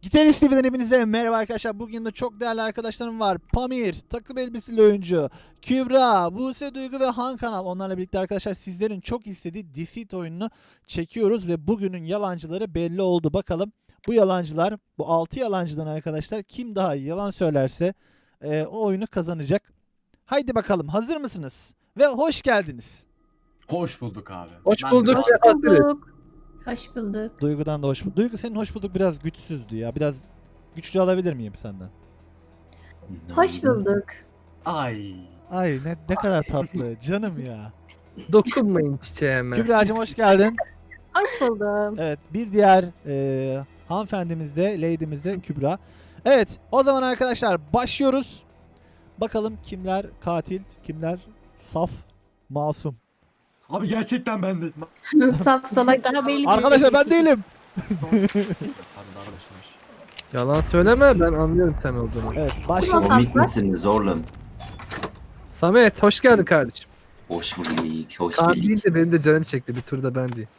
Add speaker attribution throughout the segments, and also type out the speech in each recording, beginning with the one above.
Speaker 1: Gitarist TV'den hepinize merhaba arkadaşlar. Bugün de çok değerli arkadaşlarım var. Pamir, takım elbiseli oyuncu, Kübra, Buse Duygu ve Han Kanal. Onlarla birlikte arkadaşlar sizlerin çok istediği Deceit oyununu çekiyoruz ve bugünün yalancıları belli oldu. Bakalım bu yalancılar, bu 6 yalancıdan arkadaşlar kim daha iyi yalan söylerse o oyunu kazanacak. Haydi bakalım, hazır mısınız? Ve hoş geldiniz.
Speaker 2: Hoş bulduk abi.
Speaker 3: Hoş
Speaker 2: Ben
Speaker 3: bulduk.
Speaker 2: de-
Speaker 3: Hazırız.
Speaker 4: Hoş bulduk.
Speaker 1: Duygu'dan da hoş bulduk. Duygu senin hoş bulduk biraz güçsüzdü ya. Biraz güçlü alabilir miyim senden?
Speaker 4: Hoş bulduk.
Speaker 2: Ay.
Speaker 1: Ay ne kadar tatlı canım ya.
Speaker 3: Dokunmayın çiçeğime.
Speaker 1: Kübra'cığım hoş geldin.
Speaker 4: Hoş buldum.
Speaker 1: Evet bir diğer hanımefendimiz de lady'miz de Kübra. Evet o zaman arkadaşlar başlıyoruz. Bakalım kimler katil, kimler saf, masum.
Speaker 2: Abi gerçekten ben de.
Speaker 4: Saf salak daha belli.
Speaker 1: Arkadaşlar ben değilim.
Speaker 2: Abi arkadaşlar.
Speaker 3: Yalan söyleme, ben anlıyorum sen olduğunu.
Speaker 1: Evet
Speaker 4: Nasıl?
Speaker 1: başlayalım.
Speaker 5: Komik misiniz oğlum?
Speaker 3: Samet hoş geldin kardeşim.
Speaker 5: Hoş bulduk, hoş
Speaker 3: Kaan
Speaker 5: bulduk.
Speaker 3: değil de benim de canım çekti, bir turda ben değil.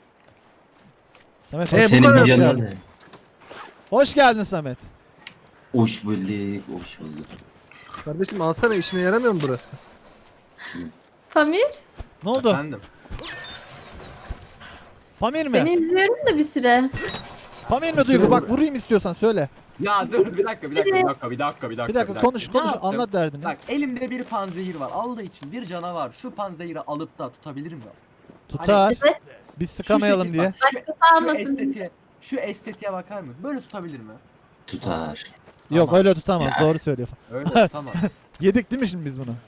Speaker 1: Samet
Speaker 3: bu
Speaker 1: hoş,
Speaker 5: Senin
Speaker 3: kadar
Speaker 5: bir canın
Speaker 3: yani.
Speaker 5: ne?
Speaker 1: hoş geldin Samet.
Speaker 5: Hoş bulduk, hoş bulduk.
Speaker 3: Kardeşim alsana, işine yaramıyor mu burası?
Speaker 4: Pamir,
Speaker 1: Ne oldu?
Speaker 2: Efendim.
Speaker 1: Pamir mi?
Speaker 4: seni izliyorum da bir süre.
Speaker 1: Pamir mi Duygu? Bak vurayım istiyorsan söyle.
Speaker 2: Ya dur bir dakika.
Speaker 1: Bir dakika konuş
Speaker 2: Ne yaptım?
Speaker 1: anlat derdini.
Speaker 2: Bak elimde bir panzehir var. Allah için bir canavar şu panzehiri alıp da tutabilir mi?
Speaker 1: Tutar.
Speaker 4: Evet.
Speaker 1: Biz
Speaker 2: Şu
Speaker 1: sıkamayalım
Speaker 2: şekil
Speaker 1: diye.
Speaker 2: bak,
Speaker 4: Başkası almasın.
Speaker 2: şu estetiğe bakar mı? Böyle tutabilir mi?
Speaker 5: Tutar.
Speaker 1: Yok
Speaker 2: Tamam.
Speaker 1: öyle tutamaz.
Speaker 5: Ya.
Speaker 1: Doğru söylüyor.
Speaker 2: Öyle tutamaz.
Speaker 1: Yedik değil mi şimdi biz bunu?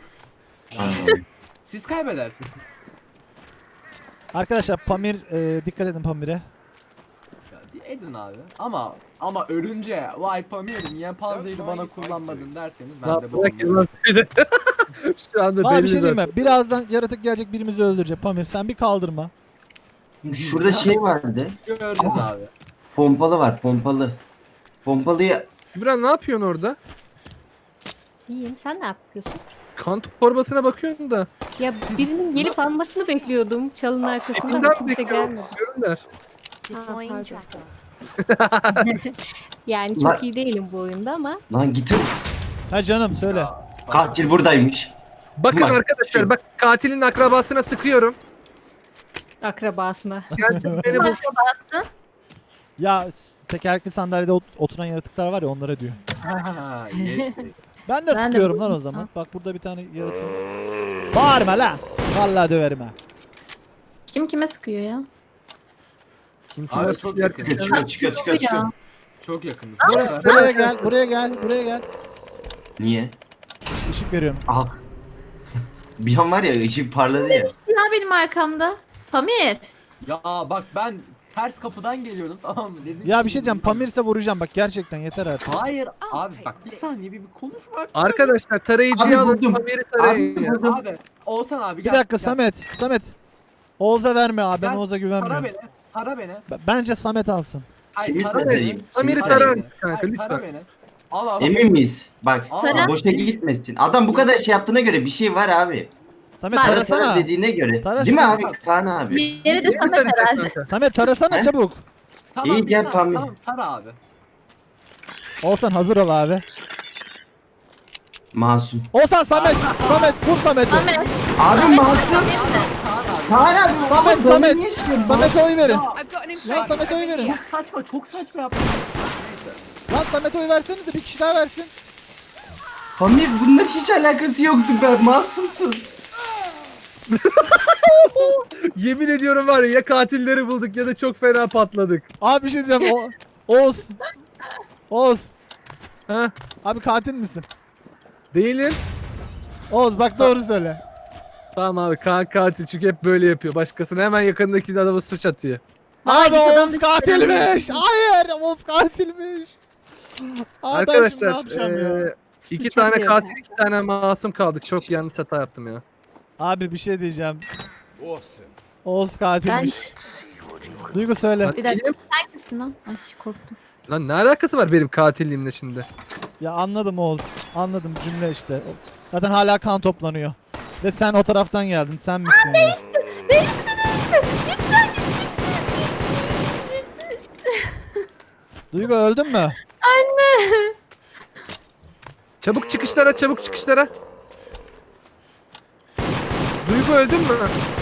Speaker 2: Siz kaybedersiniz.
Speaker 1: Arkadaşlar Pamir dikkat edin Pamir'e.
Speaker 2: Ya, edin abi. Ama ölünce vay Pamir niye panzehiri bana kullanmadın derseniz ben
Speaker 3: Lan
Speaker 2: de bu
Speaker 3: bırak yalan söyle. Şu anda
Speaker 1: Abi
Speaker 3: belli
Speaker 1: bir şey diyeyim
Speaker 3: zaten.
Speaker 1: mi? Birazdan yaratık gelecek birimizi öldürecek. Pamir sen bir kaldırma.
Speaker 5: Şurada şey vardı.
Speaker 2: göreceğiz abi.
Speaker 5: Pompalı var, pompalı. Pompalıyı
Speaker 3: Kübra ne yapıyorsun orada?
Speaker 6: İyiyim. Sen ne yapıyorsun?
Speaker 3: Kan torbasına bakıyorsun da.
Speaker 6: Ya birinin gelip almasını bekliyordum. Çalının arkasında ama
Speaker 3: Kimden
Speaker 6: kimse
Speaker 3: bekliyorum?
Speaker 6: gelmedi.
Speaker 3: Görürler.
Speaker 6: Ha, pardon. Yani çok
Speaker 5: Lan-
Speaker 6: iyi değilim bu oyunda ama
Speaker 5: lan git.
Speaker 1: Ha canım söyle.
Speaker 5: Katil buradaymış.
Speaker 3: Bakın
Speaker 5: Bak.
Speaker 3: arkadaşlar, bak katilin akrabasına sıkıyorum.
Speaker 6: akrabasına.
Speaker 3: Gelsin beni bul.
Speaker 1: Ya tekerlekli sandalyede oturan yaratıklar var ya onlara diyor.
Speaker 2: Ha, yes.
Speaker 1: Ben de
Speaker 4: Ben de
Speaker 1: sıkıyorum lan o
Speaker 4: vurdum
Speaker 1: zaman. Bak burada bir tane yaratık. Bağırma lan. Vallahi döverim ha.
Speaker 4: Kim kime sıkıyor ya?
Speaker 3: Kim
Speaker 2: Abi
Speaker 3: kime
Speaker 2: çok
Speaker 3: sıkıyor?
Speaker 2: yakın.
Speaker 5: Çıkıyor.
Speaker 2: Çok yakınız.
Speaker 1: Buraya gel, buraya gel.
Speaker 5: Niye?
Speaker 1: Işık veriyorum.
Speaker 5: Aha. Bir an var ya ışık parladı ya.
Speaker 4: Ya benim arkamda. Pamir.
Speaker 2: Ya bak ben ters kapıdan geliyordum tamam mı dedim.
Speaker 1: Ya
Speaker 2: ki-
Speaker 1: bir şey diyeceğim. Pamir'se vuracağım bak gerçekten yeter artık.
Speaker 2: Hayır abi bak bir saniye bir konuşma.
Speaker 3: Arkadaşlar tarayıcıyı
Speaker 5: Abi
Speaker 3: alın,
Speaker 5: buldum.
Speaker 3: haberi tarayın
Speaker 5: Abi
Speaker 3: ya.
Speaker 5: buldum.
Speaker 2: Abi Oğuzhan abi
Speaker 1: Bir
Speaker 2: gel.
Speaker 1: dakika
Speaker 2: gel.
Speaker 1: Samet. Oğuz'a verme abi. Ben
Speaker 2: Gel,
Speaker 1: Oğuz'a
Speaker 2: Tara
Speaker 1: güvenmiyorum.
Speaker 2: beni. Tara beni.
Speaker 1: Bence Samet alsın.
Speaker 2: Hayır
Speaker 5: Kimi
Speaker 2: tara beni.
Speaker 5: tarayayım?
Speaker 3: Amir'i
Speaker 5: Kimi
Speaker 3: tarar
Speaker 5: tarayayım?
Speaker 3: mısın kanka
Speaker 2: Hayır, tara
Speaker 3: lütfen?
Speaker 2: beni. Al abi.
Speaker 5: Emin miyiz? Bak
Speaker 2: Tara.
Speaker 5: boşa gitmesin. Adam bu kadar şey yaptığına göre bir şey var abi.
Speaker 1: Samet
Speaker 4: Bak.
Speaker 5: Tara
Speaker 1: tarasana.
Speaker 5: dediğine göre.
Speaker 1: Tara
Speaker 5: Değil mi
Speaker 1: şunu.
Speaker 5: abi? Kaan abi.
Speaker 4: Diğeri de
Speaker 3: Beni
Speaker 4: Samet
Speaker 3: tarayacak
Speaker 4: herhalde.
Speaker 3: kanka.
Speaker 1: Samet tarasana
Speaker 5: He?
Speaker 1: çabuk.
Speaker 2: Tamam,
Speaker 5: İyi,
Speaker 2: bir
Speaker 5: gel
Speaker 2: saniye,
Speaker 5: Pamir.
Speaker 2: Tamam tara abi.
Speaker 1: Oğuzhan hazır ol abi.
Speaker 5: Masum.
Speaker 1: Oğuzhan Samet. Vur Samet'i.
Speaker 4: Samet.
Speaker 5: Abi
Speaker 4: Samet.
Speaker 5: masum.
Speaker 4: Pamir de.
Speaker 5: Kaan abi.
Speaker 1: Samet,
Speaker 5: bana
Speaker 1: Samet.
Speaker 5: niye şey yapıyorsun?
Speaker 1: Samet'e oy verin.
Speaker 2: Ya,
Speaker 1: Lan Samet'e oy verin.
Speaker 2: çok saçma yaptın. Neyse.
Speaker 1: Lan Samet'e oy versenize bir kişi daha versin.
Speaker 5: Pamir bununla hiç alakası yoktu ben masumsun.
Speaker 3: Yemin ediyorum var ya katilleri bulduk ya da çok fena patladık.
Speaker 1: Abi bir şey diyeceğim. Oğuz.
Speaker 3: Ha?
Speaker 1: Abi katil misin?
Speaker 3: Değilim.
Speaker 1: Oğuz bak doğru söyle.
Speaker 3: Tamam abi, Kaan katil çünkü hep böyle yapıyor. Başkasına hemen yakındaki adamı suç atıyor.
Speaker 4: Vay,
Speaker 1: Abi
Speaker 4: git adam
Speaker 1: Oğuz
Speaker 4: dışı
Speaker 1: katilmiş. Hayır Oğuz katilmiş. Abi ben şimdi ne
Speaker 3: Arkadaşlar
Speaker 1: yapacağım ya?
Speaker 3: iki
Speaker 6: Suç
Speaker 3: tane
Speaker 6: atıyor.
Speaker 3: katil, iki tane masum kaldık. Çok yanlış hata yaptım ya.
Speaker 1: Abi bir şey diyeceğim. Oğuz katilmiş. Duygu söyle.
Speaker 4: Bir dakika.
Speaker 3: Benim-
Speaker 4: Sen kimsin lan? Ay korktum.
Speaker 3: Lan ne alakası var benim katilliğimle şimdi?
Speaker 1: Ya anladım Oğuz. Anladım cümle işte. Zaten hala kan toplanıyor. Ve sen o taraftan geldin. Sen misin? ya?
Speaker 4: Değişti değişti. Gitti.
Speaker 1: Duygu öldün mü?
Speaker 3: Çabuk çıkışlara, çabuk çıkışlara. Duygu öldün mü?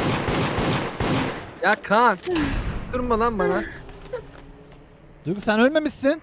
Speaker 3: Ya Kaan. Durma lan bana.
Speaker 1: Duygu sen ölmemişsin.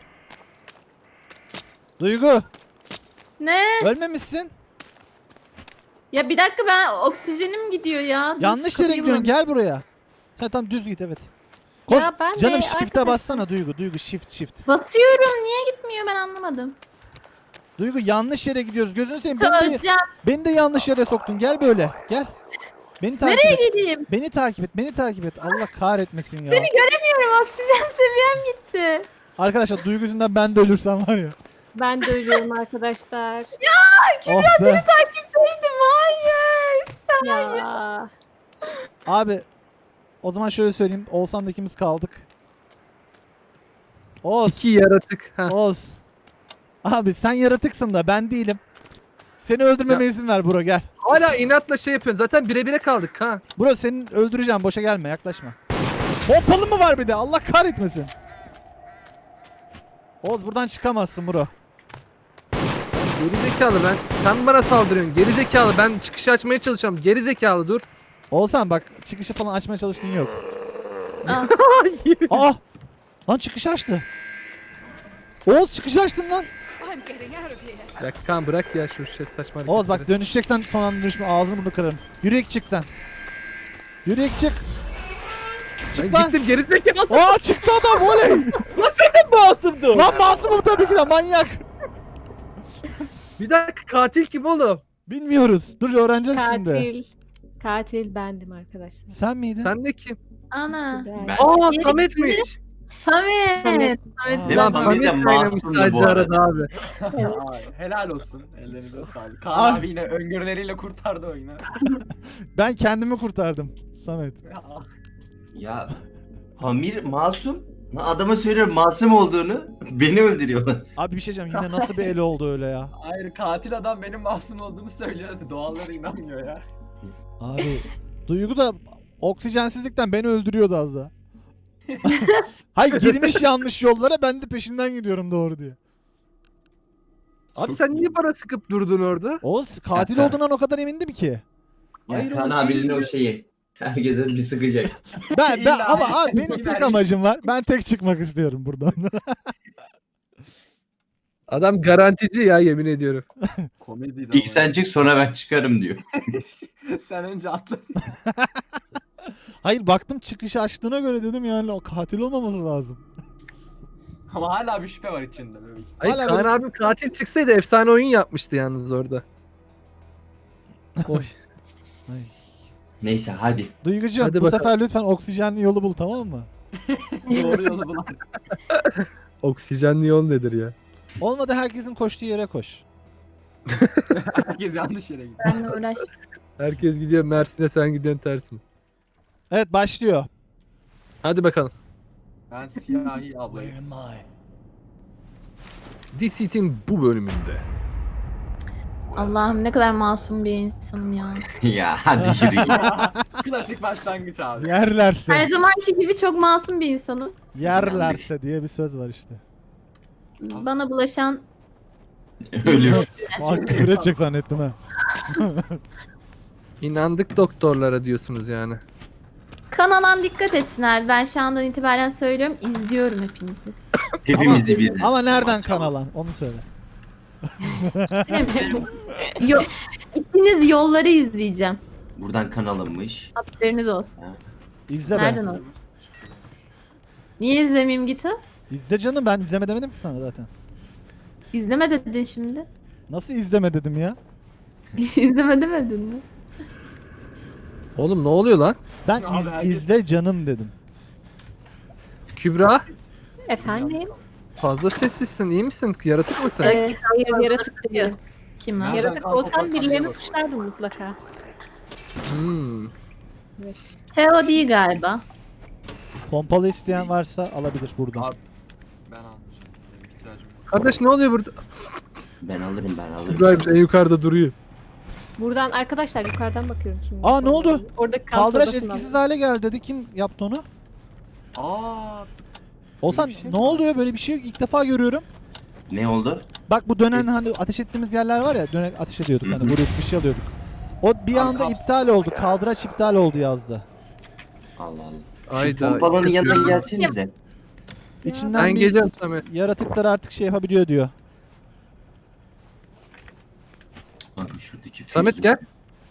Speaker 1: Duygu
Speaker 4: Ne?
Speaker 1: ölmemişsin.
Speaker 4: Ya bir dakika ben oksijenim gidiyor ya. Dur,
Speaker 1: Yanlış yere
Speaker 4: kapıyı
Speaker 1: gidiyorsun.
Speaker 4: bulamıyorum.
Speaker 1: Gel buraya. Sen tam düz git evet. Koş.
Speaker 6: Ya ben de
Speaker 1: Canım shift'e
Speaker 6: arkadaşlar-
Speaker 1: bassana Duygu. Duygu shift.
Speaker 4: Basıyorum niye gitmiyor ben anlamadım.
Speaker 1: Duygu yanlış yere gidiyoruz. Gözünü seveyim.
Speaker 4: Çözeceğim.
Speaker 1: Beni de yanlış yere soktun. Gel böyle. Gel. Beni takip
Speaker 4: Nereye
Speaker 1: et.
Speaker 4: gideyim?
Speaker 1: Beni takip et. Beni takip et. Allah kahretmesin ya.
Speaker 4: Seni göremiyorum oksijen seviyem gitti.
Speaker 1: Arkadaşlar Duygu yüzünden ben de ölürsem var ya.
Speaker 6: Ben de ölüyorum arkadaşlar.
Speaker 1: Oh be.
Speaker 4: Takipteydim hayır.
Speaker 6: Ya.
Speaker 1: Abi o zaman şöyle söyleyeyim. Oğuzhan'da ikimiz kaldık. Oğuz.
Speaker 3: İki yaratık. Ha.
Speaker 1: Oğuz. Abi sen yaratıksın da ben değilim. Seni öldürmeme izin ver bro gel.
Speaker 3: Hala inatla şey yapıyorsun. Zaten bire bire kaldık Kaan.
Speaker 1: Bro seni öldüreceğim boşa gelme yaklaşma. Pompalı mı var bir de Allah kahretmesin. Oğuz buradan çıkamazsın bro.
Speaker 3: Gerizekalı ben. Sen bana saldırıyorsun. Gerizekalı ben çıkışı açmaya çalışıyorum. Gerizekalı dur.
Speaker 1: Oğuzhan bak çıkışı falan açmaya çalıştığın yok.
Speaker 4: Ah.
Speaker 1: Aa! Lan çıkışı açtı. Oğuz çıkışı açtın lan.
Speaker 3: Ya Kaan bırak ya şu şey saçma
Speaker 1: Oğuz bak
Speaker 3: hareketleri.
Speaker 1: dönüşeceksen son anda dönüşme ağzını bunu kırarım. Yürüyek çık sen. Yürüyek çık.
Speaker 3: Ben
Speaker 1: Çık lan.
Speaker 3: gittim gerizekalı.
Speaker 1: Aa çıktı adam oley.
Speaker 3: Masumdu.
Speaker 1: Lan masumum tabii ki de manyak.
Speaker 3: Bir dakika katil kim oğlum?
Speaker 1: Bilmiyoruz. Dur öğreneceğiz şimdi.
Speaker 6: Katil. Katil bendim arkadaşlar.
Speaker 1: Sen miydin?
Speaker 3: Sen de kim?
Speaker 4: Ana.
Speaker 6: Ben.
Speaker 5: Ben-
Speaker 3: Aa
Speaker 4: Yeri
Speaker 3: Samet'miş.
Speaker 4: Samet.
Speaker 6: Samet.
Speaker 1: Aa.
Speaker 5: Değil
Speaker 3: Lan
Speaker 5: mi?
Speaker 3: Samet
Speaker 5: de
Speaker 3: oynamış
Speaker 5: masumdu
Speaker 3: sadece
Speaker 5: bu arada.
Speaker 3: arada abi.
Speaker 2: Ay, helal olsun. Ellerinize sağlık. Kaan
Speaker 1: Ah.
Speaker 2: abi yine öngörüleriyle kurtardı oyunu.
Speaker 1: Ben kendimi kurtardım. Samet.
Speaker 5: Ya Pamir masum. Lan adama söylüyorum masum olduğunu. Beni öldürüyorlar.
Speaker 1: Abi bir şey diyeceğim yine nasıl bir el oldu öyle ya.
Speaker 2: Hayır katil adam benim masum olduğumu söylüyor. Doğallara inanmıyor ya.
Speaker 1: Abi Duygu da oksijensizlikten beni öldürüyordu az daha. Hayır girmiş yanlış yollara ben de peşinden gidiyorum doğru diye.
Speaker 3: Abi sen niye bana sıkıp durdun orada?
Speaker 1: Oğuz katil
Speaker 5: Ya,
Speaker 1: olduğundan o kadar emindim ki.
Speaker 3: Hayır,
Speaker 5: Kaan
Speaker 3: o
Speaker 5: abinin
Speaker 3: değil
Speaker 5: o
Speaker 3: mi?
Speaker 5: şeyi. Herkese bir sıkacak.
Speaker 1: Ben
Speaker 2: İlla-
Speaker 1: ama abi benim
Speaker 2: İlla-
Speaker 1: tek amacım var. Ben tek çıkmak istiyorum buradan.
Speaker 3: Adam garantici ya yemin ediyorum.
Speaker 2: Komediydi
Speaker 5: İlk sen çık sonra ben çıkarım diyor.
Speaker 2: Sen önce atla.
Speaker 1: Hayır baktım çıkışı açtığına göre dedim yani o katil olmaması lazım.
Speaker 2: Ama hala bir şüphe var içinde böyle işte.
Speaker 3: Ay
Speaker 1: Hala
Speaker 3: Kaan
Speaker 1: böyle-
Speaker 3: abim katil çıksaydı efsane oyun yapmıştı yalnız orada. Oy.
Speaker 1: Ay.
Speaker 5: Neyse hadi.
Speaker 1: Duygucuğum
Speaker 3: Hadi
Speaker 1: bu
Speaker 3: bakalım.
Speaker 1: sefer lütfen oksijenli yolu bul tamam mı?
Speaker 2: Doğru yolu bulan.
Speaker 3: Oksijenli yol nedir ya?
Speaker 1: Olmadı herkesin koştuğu yere koş.
Speaker 2: Herkes yanlış yere gidiyor.
Speaker 4: Benle uğraş.
Speaker 3: Herkes gidiyor Mersin'e sen gidiyorsun tersine.
Speaker 1: Evet başlıyor.
Speaker 3: Hadi bakalım.
Speaker 2: Ben siyahi ablayım.
Speaker 3: Decit'in bu bölümünde.
Speaker 4: Allah'ım ne kadar masum bir insanım ya.
Speaker 5: Ya hadi yürü.
Speaker 2: Klasik başlangıç abi.
Speaker 1: Yerlerse.
Speaker 4: Her zamanki gibi çok masum bir insanım.
Speaker 1: Yerlerse diye bir söz var işte.
Speaker 4: Bana bulaşan
Speaker 5: Ölür.
Speaker 1: Aa küfür edecek zannettim ha.
Speaker 3: İnandık doktorlara diyorsunuz yani.
Speaker 4: kan alan dikkat etsin abi. Ben şu andan itibaren söylüyorum. İzliyorum hepinizi.
Speaker 5: Hepimizi bir.
Speaker 1: Ama nereden kan alan onu söyle.
Speaker 4: Bilemiyorum. Yok. İkiniz yolları izleyeceğim.
Speaker 5: Buradan kan alınmış.
Speaker 4: Haberiniz olsun.
Speaker 1: İzle
Speaker 4: Nereden
Speaker 1: be.
Speaker 4: o? Niye izlemeyeyim Gito?
Speaker 1: İzle canım ben izleme demedim ki sana zaten.
Speaker 4: İzleme dedin şimdi.
Speaker 1: Nasıl izleme dedim ya?
Speaker 4: İzleme demedin mi?
Speaker 3: Oğlum ne oluyor lan?
Speaker 1: Ben
Speaker 2: Abi herkes-
Speaker 1: izle canım dedim.
Speaker 3: Kübra
Speaker 6: Efendim?
Speaker 3: fazla sessizsin iyi misin? Yaratık mısın?
Speaker 6: Hayır yaratık değil.
Speaker 4: Kim lan?
Speaker 2: Nereden
Speaker 6: Yaratık
Speaker 2: kan
Speaker 6: olsam
Speaker 2: koparsan
Speaker 6: birilerini
Speaker 2: diye
Speaker 6: suçlardım mutlaka.
Speaker 3: Hmm.
Speaker 4: Teo değil galiba.
Speaker 1: Pompalı isteyen varsa alabilir buradan.
Speaker 2: Abi. Ben almışım. Benim ihtiyacım yok.
Speaker 3: Kardeş ne oluyor burada?
Speaker 5: Ben alırım.
Speaker 3: İbrahim en yukarıda duruyor.
Speaker 6: Buradan arkadaşlar yukarıdan bakıyorum kim.
Speaker 1: Aa, ne oldu?
Speaker 6: Orada kan
Speaker 1: Kaldıraç
Speaker 6: odasından.
Speaker 1: etkisiz hale geldi dedi. Kim yaptı onu?
Speaker 2: Aa.
Speaker 1: Olsan
Speaker 2: bir şey
Speaker 1: ne
Speaker 2: mi
Speaker 1: oluyor, böyle bir şey yok. İlk defa görüyorum.
Speaker 5: Ne oldu?
Speaker 1: Bak bu dönen hani ateş ettiğimiz yerler var ya, dönen ateş ediyorduk hani,
Speaker 5: Hı hı.
Speaker 1: vuruyorduk bir şey alıyorduk. O bir
Speaker 2: Abi,
Speaker 1: anda iptal oldu. Kaldıraç iptal oldu yazdı.
Speaker 5: Allah Allah. Şu
Speaker 3: Ayda.
Speaker 5: pompalanın yanına
Speaker 3: yapıyorum.
Speaker 5: gelsenize.
Speaker 1: İçinden
Speaker 3: Ben
Speaker 1: bir
Speaker 3: geliyorum Samet.
Speaker 1: yaratıklar artık şey yapabiliyor diyor.
Speaker 5: Bakın şuradaki
Speaker 3: Samet gel.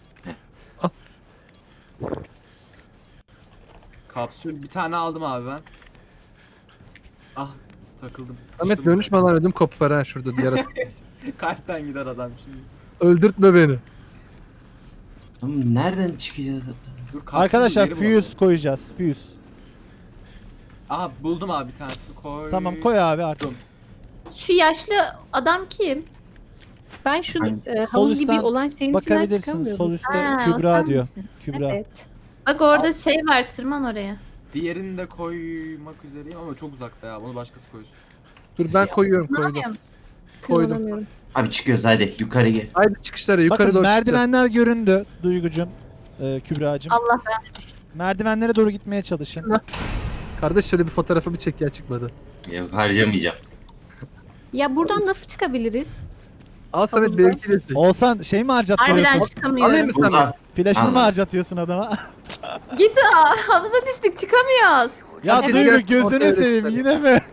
Speaker 2: Kapsül bir tane aldım abi ben. Ah takıldım.
Speaker 3: Samet
Speaker 2: sıkıştım
Speaker 3: dönüşme lan, ödüm kopar ha şurada diğer.
Speaker 2: Kalpten gider adam şimdi.
Speaker 3: Öldürtme beni.
Speaker 5: Oğlum nereden çıkacağız?
Speaker 2: Dur, kapsülü
Speaker 1: Arkadaşlar
Speaker 2: geri bulalım.
Speaker 1: fuse koyacağız. Fuse.
Speaker 2: Aha buldum abi bir tanesini koy.
Speaker 1: Tamam koy abi artık.
Speaker 4: Şu yaşlı adam kim?
Speaker 6: Ben şu
Speaker 5: Hani
Speaker 6: havuz
Speaker 1: sol
Speaker 6: gibi
Speaker 1: üstten
Speaker 6: olan şeyin içinden
Speaker 1: Bakabilirsin.
Speaker 6: çıkamıyorum.
Speaker 1: Sol üstte
Speaker 4: Ha, o
Speaker 1: Kübra
Speaker 4: sen
Speaker 1: diyor.
Speaker 4: misin?
Speaker 1: Kübra.
Speaker 6: Evet.
Speaker 4: Bak orada şey var, tırman oraya.
Speaker 2: Diğerini de koymak üzereyim ama çok uzakta ya. Bunu başkası koysun.
Speaker 3: Dur ben koyuyorum, koydum.
Speaker 4: Tırmanamıyorum.
Speaker 3: Koydum.
Speaker 6: Tırmanamıyorum.
Speaker 5: Abi çıkıyoruz hadi yukarı gel.
Speaker 3: Haydi çıkışlara yukarı
Speaker 1: Bakın
Speaker 3: doğru çıkacağız.
Speaker 1: merdivenler göründü Duygucum. Kübra'cım.
Speaker 4: Allah ben.
Speaker 1: Merdivenlere doğru gitmeye çalışın.
Speaker 3: Kardeş şöyle bir fotoğrafımı çek ya, çıkmadı.
Speaker 5: Yok harcamayacağım.
Speaker 6: Ya buradan nasıl çıkabiliriz?
Speaker 3: Al Samet benimki de çek.
Speaker 1: Olsan şey mi
Speaker 4: Harbiden
Speaker 1: harcatıyorsun?
Speaker 4: çıkamıyorum.
Speaker 3: Alayım mı Samet?
Speaker 5: Burada.
Speaker 1: Flaşını mı
Speaker 5: Al.
Speaker 1: harcatıyorsun adama?
Speaker 4: Git havuza düştük, çıkamıyoruz.
Speaker 1: Ya
Speaker 3: Hadi
Speaker 1: Duygu
Speaker 3: gel,
Speaker 1: gözünü
Speaker 3: ortaya
Speaker 1: seveyim
Speaker 3: düşelim.
Speaker 1: yine mi?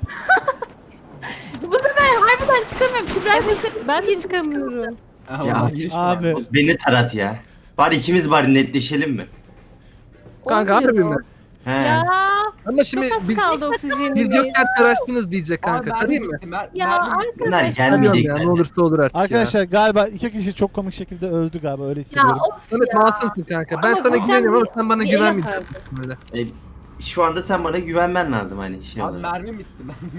Speaker 4: Bu sefer harbiden çıkamıyorum. Kübra
Speaker 6: Ben de çıkamıyorum.
Speaker 2: Aha,
Speaker 5: Ya,
Speaker 2: oradan giriş var.
Speaker 1: Abi
Speaker 5: Beni tarat ya. Bari ikimiz bari netleşelim mi?
Speaker 3: Kanka harbi
Speaker 6: Olmuyor.
Speaker 3: mi?
Speaker 5: He.
Speaker 6: Ya
Speaker 3: Ama şimdi
Speaker 6: çok az
Speaker 3: biz,
Speaker 6: kaldı oksijenimiz.
Speaker 3: biz yokken taraştınız diyecek
Speaker 2: Aa,
Speaker 3: kanka.
Speaker 2: mermi
Speaker 3: Tarayayım mı?
Speaker 2: bitti,
Speaker 6: Ya
Speaker 2: mermi-
Speaker 5: Bunlar
Speaker 6: arkadaşlar.
Speaker 3: Tarıyorum
Speaker 5: gelmeyecekler.
Speaker 3: ya, ne olursa olur artık
Speaker 1: arkadaşlar galiba iki kişi çok komik şekilde öldü galiba, öyle
Speaker 4: Ya
Speaker 1: hissediyorum.
Speaker 4: of
Speaker 3: Samet
Speaker 4: ya.
Speaker 3: masumsun kanka. Ben
Speaker 6: Ama
Speaker 3: sana
Speaker 6: sen
Speaker 3: güveniyorum ama
Speaker 6: bir-
Speaker 3: sen bana
Speaker 6: bir el
Speaker 3: güvenmeyeceksin
Speaker 6: atardın.
Speaker 3: böyle.
Speaker 5: Şu anda sen bana güvenmen lazım hani şey
Speaker 2: Abi
Speaker 5: olarak.
Speaker 2: mermi bitti.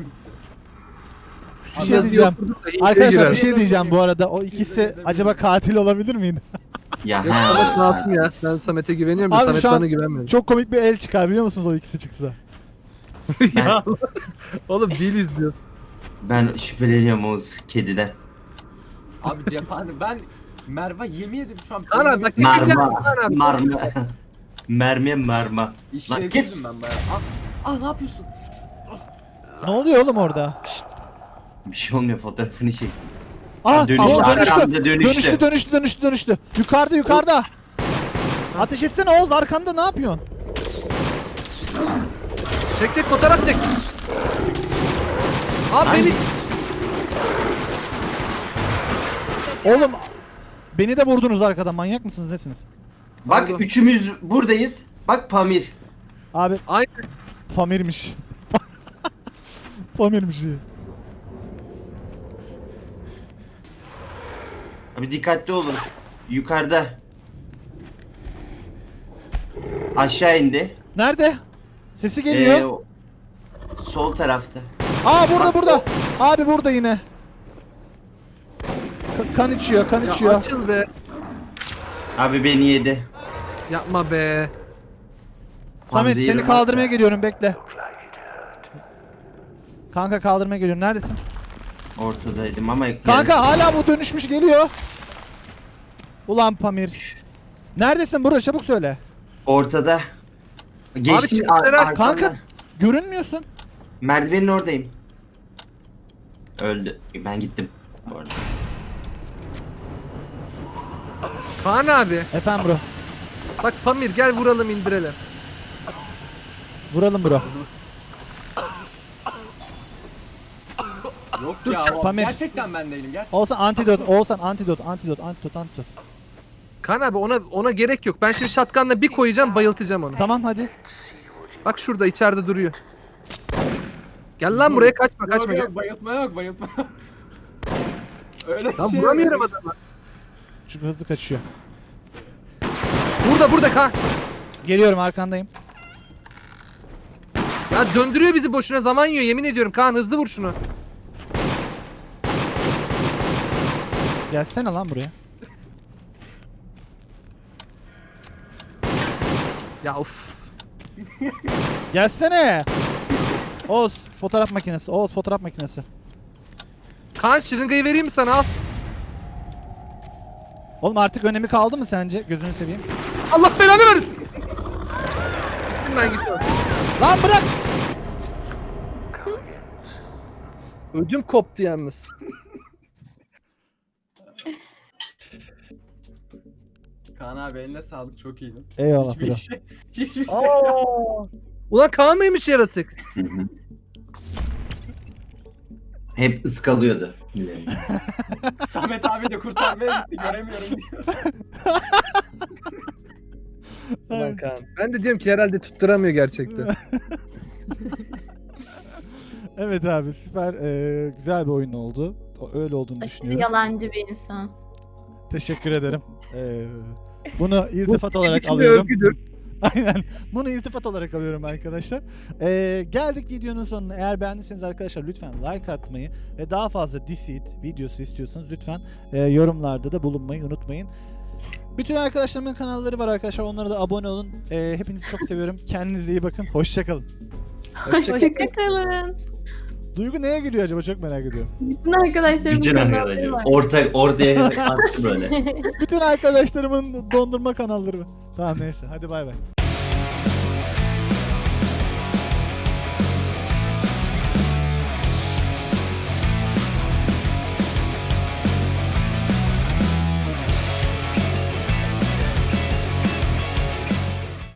Speaker 1: Bir şey
Speaker 3: Yazı
Speaker 1: diyeceğim.
Speaker 3: yoktur da iyi
Speaker 1: Arkadaşlar
Speaker 3: girer.
Speaker 1: bir şey diyeceğim bu arada. O ikisi acaba katil olabilir miydi?
Speaker 5: Ya
Speaker 3: Yok
Speaker 5: he.
Speaker 3: Samet masum ya. Sen Samet'e güveniyorum da
Speaker 1: Abi
Speaker 3: Samet
Speaker 1: şu an
Speaker 3: bana güvenmiyor.
Speaker 1: Çok komik bir el çıkar biliyor musunuz o ikisi çıksa?
Speaker 3: Ya oğlum değiliz diyor.
Speaker 5: Ben şüpheleniyorum Oğuz kediden.
Speaker 2: Abi cephane ben Merve yemin ederim şu an
Speaker 3: Kaan abi bak.
Speaker 5: Marma.
Speaker 3: Kaan abi.
Speaker 5: Marma. Mermiye marma. Lan git.
Speaker 2: İşlevsizim ben bayağı. Ah ne yapıyorsun?
Speaker 1: Ne oluyor oğlum orada? Şşt.
Speaker 5: Bir şey olmuyor fotoğrafını çek.
Speaker 1: Aa,
Speaker 5: Dönüştü,
Speaker 1: o
Speaker 5: arkanda dönüştü.
Speaker 1: dönüştü. Yukarıda. Ateş etsene Oğuz, arkanda ne yapıyorsun?
Speaker 3: Çek fotoğraf çek. Abi
Speaker 5: Hangi?
Speaker 3: beni
Speaker 1: Oğlum beni de vurdunuz arkadan, manyak mısınız nesiniz?
Speaker 5: Bak
Speaker 3: Oldu.
Speaker 5: üçümüz buradayız. Bak Pamir.
Speaker 1: Abi
Speaker 3: Aynen.
Speaker 1: Pamir'miş. Pamir'miş iyi.
Speaker 5: Abi dikkatli olun. Yukarıda. Aşağı indi.
Speaker 1: Nerede? Sesi geliyor.
Speaker 5: o- sol tarafta.
Speaker 1: Aa burada. Abi burada yine. Kan içiyor, kan
Speaker 3: Ya
Speaker 1: içiyor.
Speaker 3: açıl be.
Speaker 5: Abi beni yedi.
Speaker 3: Yapma be.
Speaker 1: Samet
Speaker 5: Hamza
Speaker 1: seni
Speaker 5: yerim
Speaker 1: kaldırmaya
Speaker 5: var.
Speaker 1: geliyorum, bekle. Kanka kaldırmaya geliyorum. Neredesin?
Speaker 5: Ortadaydım ama
Speaker 1: Kanka hala bu dönüşmüş geliyor. Ulan Pamir. Neredesin burada, çabuk söyle.
Speaker 5: ortada. Geçtim
Speaker 3: çıktılar ha,
Speaker 1: Kanka görünmüyorsun.
Speaker 5: merdivenin oradayım. Öldü. Ben gittim. Bu arada.
Speaker 3: Kaan abi.
Speaker 1: Efendim bro.
Speaker 3: Bak Pamir gel vuralım indirelim.
Speaker 1: Vuralım bro.
Speaker 2: Yok
Speaker 1: Dur,
Speaker 2: ya.
Speaker 1: Pamir.
Speaker 2: Gerçekten ben değilim. Gerçekten.
Speaker 1: Olsan antidot.
Speaker 3: Kaan abi ona gerek yok. Ben şimdi şatkanla bir koyacağım, bayıltacağım onu.
Speaker 1: Tamam hadi.
Speaker 3: Bak şurada içeride duruyor. Gel lan buraya, kaçma kaçma.
Speaker 2: Yok,
Speaker 3: Gel.
Speaker 2: bayıltma yok bayıltma. Öyle
Speaker 3: Lan
Speaker 2: şey
Speaker 3: vuramıyorum
Speaker 2: yok.
Speaker 3: adamı.
Speaker 1: Çünkü hızlı kaçıyor.
Speaker 3: Burada Kaan.
Speaker 1: Geliyorum, arkandayım.
Speaker 3: Ya döndürüyor bizi, boşuna zaman yiyor yemin ediyorum. Kaan hızlı vur şunu.
Speaker 1: Gelsene lan buraya.
Speaker 3: Ya of.
Speaker 1: Gelsene. Oğuz fotoğraf makinesi.
Speaker 3: Kaan şırıngayı vereyim mi sana, al.
Speaker 1: Oğlum artık önemi kaldı mı sence? Gözünü seveyim.
Speaker 3: Allah belanı versin. Bundan gidiyor.
Speaker 1: Lan bırak.
Speaker 3: Ödüm koptu yalnız.
Speaker 2: Kaan abi eline sağlık, çok iyiydin.
Speaker 1: Eyvallah
Speaker 2: Hiçbir
Speaker 1: bro.
Speaker 2: şey, hiçbir şey
Speaker 3: Aa! Ulan Kaan mıymış yaratık?
Speaker 5: Hı hı. Hep ıskalıyordu.
Speaker 2: Samet abi de kurtarmaya gitti, göremiyorum diyor.
Speaker 3: Ulan Kaan. Ben de diyorum ki herhalde tutturamıyor gerçekten.
Speaker 1: Evet abi süper güzel bir oyun oldu. Öyle olduğunu
Speaker 4: Aşırı
Speaker 1: düşünüyorum.
Speaker 4: yalancı bir insan.
Speaker 1: Teşekkür ederim. Bunu iltifat
Speaker 3: Bu
Speaker 1: olarak
Speaker 3: için bir
Speaker 1: alıyorum.
Speaker 3: övgüdür.
Speaker 1: Aynen. Bunu iltifat olarak alıyorum arkadaşlar. Geldik videonun sonuna. Eğer beğendiyseniz arkadaşlar lütfen like atmayı ve daha fazla Deceit videosu istiyorsanız lütfen yorumlarda da bulunmayı unutmayın. Bütün arkadaşlarımın kanalları var arkadaşlar. Onlara da abone olun. Hepinizi çok seviyorum. Kendinize iyi bakın. Hoşçakalın.
Speaker 6: Hoşçakalın.
Speaker 1: Duygu neye gülüyor acaba? Çok merak ediyorum.
Speaker 4: Bütün arkadaşlarımın
Speaker 5: Bütün
Speaker 4: kanalları
Speaker 5: arkadaşlar.
Speaker 4: var.
Speaker 5: Ortaya attı böyle.
Speaker 1: Bütün arkadaşlarımın dondurma kanalları var. Tamam neyse. Hadi bay bay.